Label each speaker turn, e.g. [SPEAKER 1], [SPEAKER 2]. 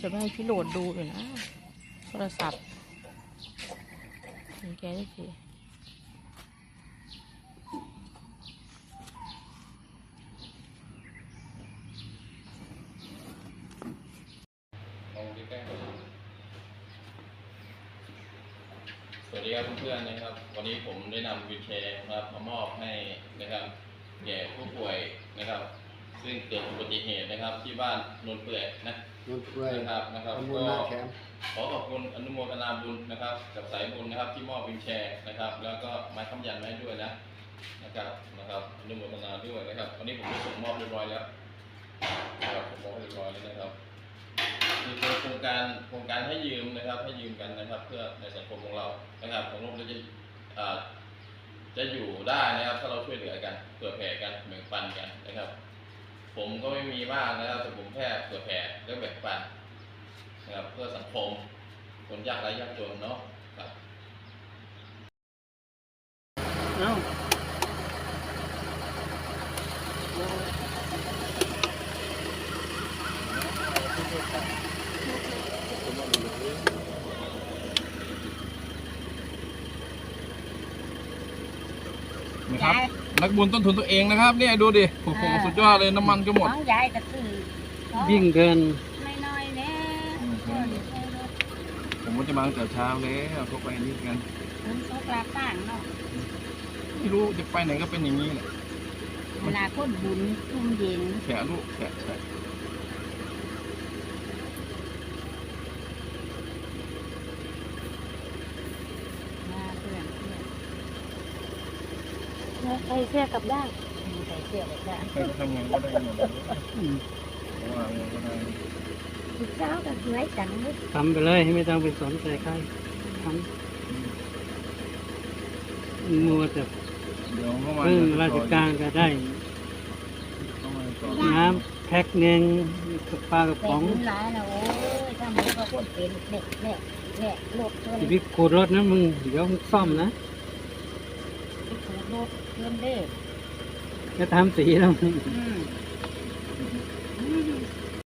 [SPEAKER 1] จะไม่ให้พี่โหลดดูเลยนะโทรศัพท์เห็นแกได้ที
[SPEAKER 2] สวัสดีครับเพื่อนๆนะครับวันนี้ผมได้นำวีลแชร์นะครับมามอบให้นะครับแก่ผู้ป่วยนะครับซึ่งเกิดอุบัติเหตุนะครับที่บ้านนนเปื่อยนะครับก็ขอขอบคุณอนุโมทนาบุญนะครับกับสายบุญนะครับที่มอบวีลแชร์นะครับแล้วก็ไม้ค้ำยันไว้ด้วยนะครับอนุโมทนาด้วยนะครับวันนี้ผมได้ส่งมอบเรียบร้อยแล้วนะครับผมมอบเรียบร้อยแล้วนะครับคือโครงการให้ยืมนะครับให้ยืมกันนะครับเพื่อในสังคมของเรานะครับของโลกจะอยู่ได้นะครับถ้าเราช่วยเหลือกันเผื่อแผ่กันแบ่งปันกันนะครับผมก็ไม่มีมากนะครับแต่ผมแค่เผื่อแผ่และแบ่งปันนะครับเพื่อสังคมคนยากไร้ยากจนเนาะครับ
[SPEAKER 3] นะครับนักบุญต้นทุนตัวเองนะครับเนี่ยดูดิโอ้โหสุดยอดเลยน้ำมันก็หมด
[SPEAKER 1] น้องยายก็คือ
[SPEAKER 4] วิ่งเกิน
[SPEAKER 1] ไม่น้อยแน่
[SPEAKER 3] ผมก็จะมาตั้งแต่เช้าแล้วพวกไปนี่กัน
[SPEAKER 1] คุณโซกลาต่างเนาะ
[SPEAKER 3] ไม่รู้จะไปไหนก็เป็นอย่างนี้แหละ
[SPEAKER 1] เวลาคนบุญทุ่มเย็น
[SPEAKER 3] แฉะลูกแฉะ
[SPEAKER 1] มาเพื่อน
[SPEAKER 4] ใส่เสื้อกลับด้าน
[SPEAKER 1] ใส่เสื้อแบบนั้น
[SPEAKER 3] ใครจะทำงานก็ได้หมดเลยเพราะว่าเงินก็ได้
[SPEAKER 1] เช้าก็สวยจังเลย
[SPEAKER 4] ทำไปเลยไม่ต้องไปสนใจใครทำมัวแต่
[SPEAKER 3] เดี๋ยวเมื่อวาน
[SPEAKER 4] พึ่งราชการก็ได้ น้ำแพ็คหนึ่งกับปลากระ
[SPEAKER 1] เป็
[SPEAKER 4] ป๋อง
[SPEAKER 1] นร้ายนะโอ้ยถ้ามันก็คนเป็นแหละรถชน
[SPEAKER 4] ชีวิตขูดรถนะมึงเดี๋ยวมึงซ่อมนะ
[SPEAKER 1] ขูดรถเพื่อนเด้
[SPEAKER 4] จะทำสีแล้วมึง
[SPEAKER 1] อืม